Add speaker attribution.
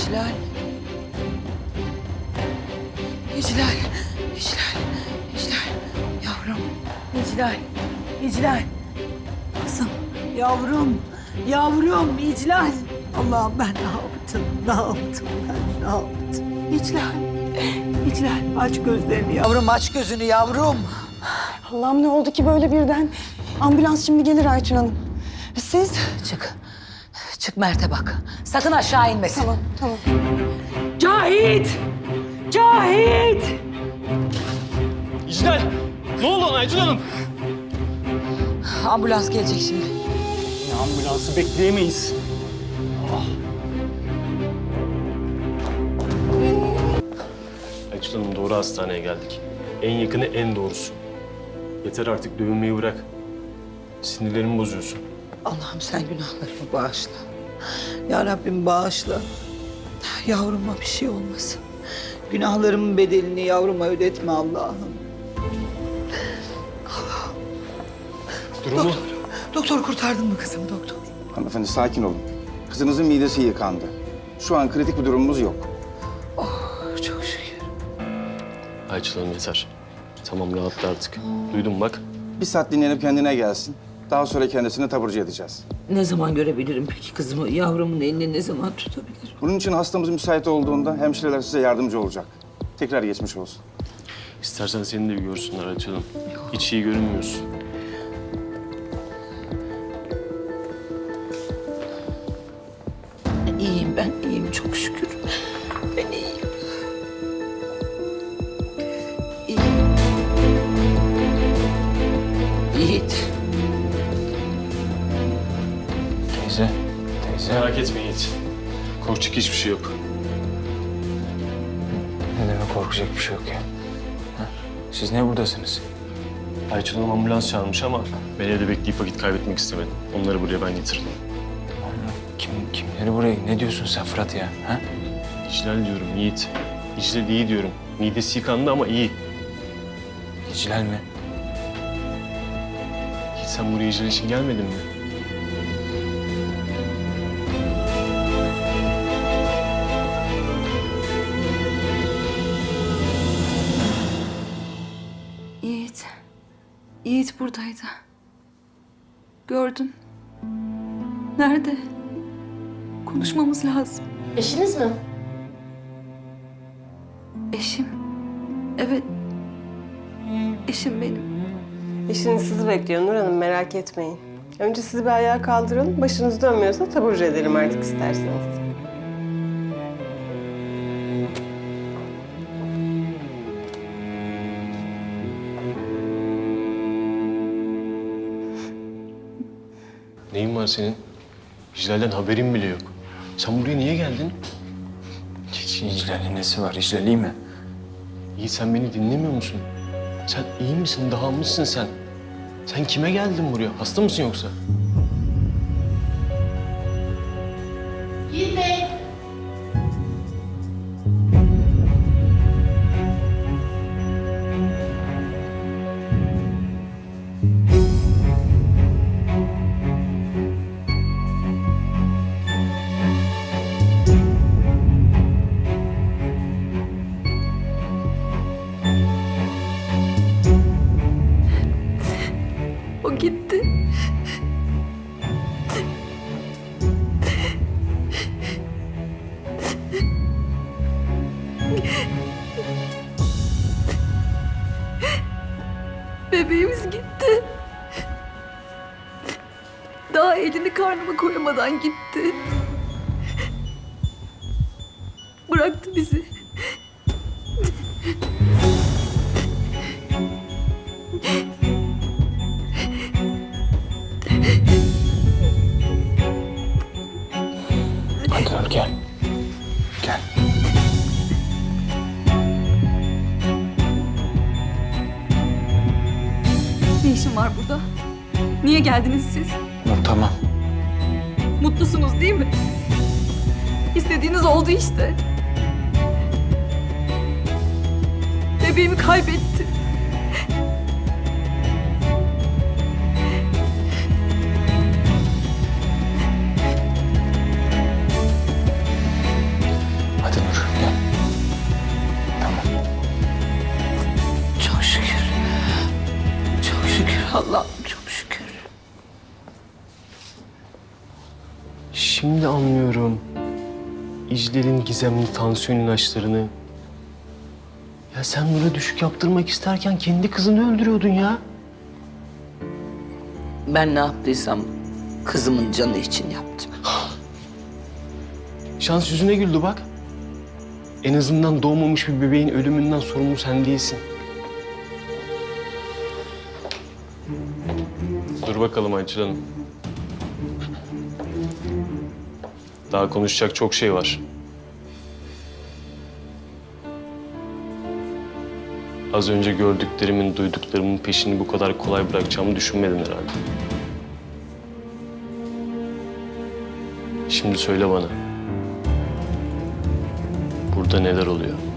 Speaker 1: İclal. İclal. İclal. İclal. Yavrum. İclal. İclal. Kızım. Yavrum. Yavrum. İclal. Allah'ım ben ne yaptım? Ne yaptım ben? Ne yaptım? İclal. İclal. Aç gözlerini yavrum. Aç gözünü yavrum.
Speaker 2: Allah'ım ne oldu ki böyle birden? Ambulans şimdi gelir Aytun Hanım. Siz?
Speaker 1: Çık. Çık Mert'e bak. Sakın aşağı inmesin.
Speaker 2: Tamam, tamam.
Speaker 1: Cahit! Cahit!
Speaker 3: İclal! Ne oldu ona Aytun Hanım?
Speaker 1: Ambulans gelecek şimdi.
Speaker 3: Ya ambulansı bekleyemeyiz. Aytun Hanım doğru hastaneye geldik. En yakını en doğrusu. Yeter artık dövünmeyi bırak. Sinirlerimi bozuyorsun.
Speaker 1: Allah'ım sen günahlarımı bağışla. Ya Rabbim bağışla. Yavruma bir şey olmasın. Günahlarımın bedelini yavruma ödetme Allah'ım.
Speaker 3: Durumu?
Speaker 1: Doktor kurtardın mı kızım doktor?
Speaker 4: Hanımefendi sakin olun. Kızınızın midesi yıkandı. Şu an kritik bir durumumuz yok.
Speaker 1: Oh çok şükür.
Speaker 3: Aytun Hanım yeter. Tamam rahatla artık. Duydum bak.
Speaker 4: Bir saat dinlenip kendine gelsin. Daha sonra kendisini taburcu edeceğiz.
Speaker 1: Ne zaman görebilirim peki kızımı? Yavrumun elini ne zaman tutabilirim?
Speaker 4: Bunun için hastamız müsait olduğunda hemşireler size yardımcı olacak. Tekrar geçmiş olsun.
Speaker 3: İstersen seni de bir görsünler Aytun Hanım. Hiç iyi görünmüyorsun.
Speaker 1: İyiyim ben, iyiyim çok şükür. Ben iyiyim. İyiyim. Yiğit.
Speaker 5: Teyze.
Speaker 3: Merak etme Yiğit. Korkacak hiçbir şey yok.
Speaker 5: Ne demek korkacak bir şey yok ya? Ha? Siz ne buradasınız?
Speaker 3: Aytun Hanım ambulans çağırmış ama ben evde bekleyip vakit kaybetmek istemedim. Onları buraya ben getirdim.
Speaker 5: Kimleri buraya? Ne diyorsun sen Fırat ya? Ha?
Speaker 3: İclal diyorum Yiğit. İclal iyi diyorum. Midesi yıkandı ama iyi.
Speaker 5: İclal mi?
Speaker 3: Yiğit sen buraya İclal için gelmedin mi?
Speaker 2: Yiğit. Yiğit buradaydı. Gördün. Nerede? Konuşmamız lazım.
Speaker 6: Eşiniz mi?
Speaker 2: Eşim. Evet. Eşim benim.
Speaker 7: Eşiniz sizi bekliyor Nur Hanım, merak etmeyin. Önce sizi bir ayağa kaldıralım, başınız dönmüyorsa taburcu edelim artık isterseniz.
Speaker 3: Neyin var senin? İclal'den haberin bile yok. Sen buraya niye geldin?
Speaker 5: İclal'in nesi var? İclal iyi mi?
Speaker 3: Yiğit sen beni dinlemiyor musun? Sen iyi misin? Dağılmışsın sen. Sen kime geldin buraya? Hasta mısın yoksa?
Speaker 6: Yiğit Bey.
Speaker 2: O gitti. Bebeğimiz gitti. Daha elini karnıma koyamadan gitti. Bıraktı bizi.
Speaker 5: Hadi gel. Gel.
Speaker 2: Ne işin var burada? Niye geldiniz siz?
Speaker 5: Tamam.
Speaker 2: Mutlusunuz değil mi? İstediğiniz oldu işte. Bebeğimi kaybettim.
Speaker 3: şimdi anlıyorum. İclal'in gizemli tansiyon ilaçlarını. Ya sen Nur'a düşük yaptırmak isterken kendi kızını öldürüyordun ya.
Speaker 1: Ben ne yaptıysam kızımın canı için yaptım.
Speaker 3: Şans yüzüne güldü bak. En azından doğmamış bir bebeğin ölümünden sorumlu sen değilsin. Dur bakalım Aytül Hanım. Daha konuşacak çok şey var. Az önce gördüklerimin, duyduklarımın peşini bu kadar kolay bırakacağımı düşünmedin herhalde. Şimdi söyle bana. Burada neler oluyor?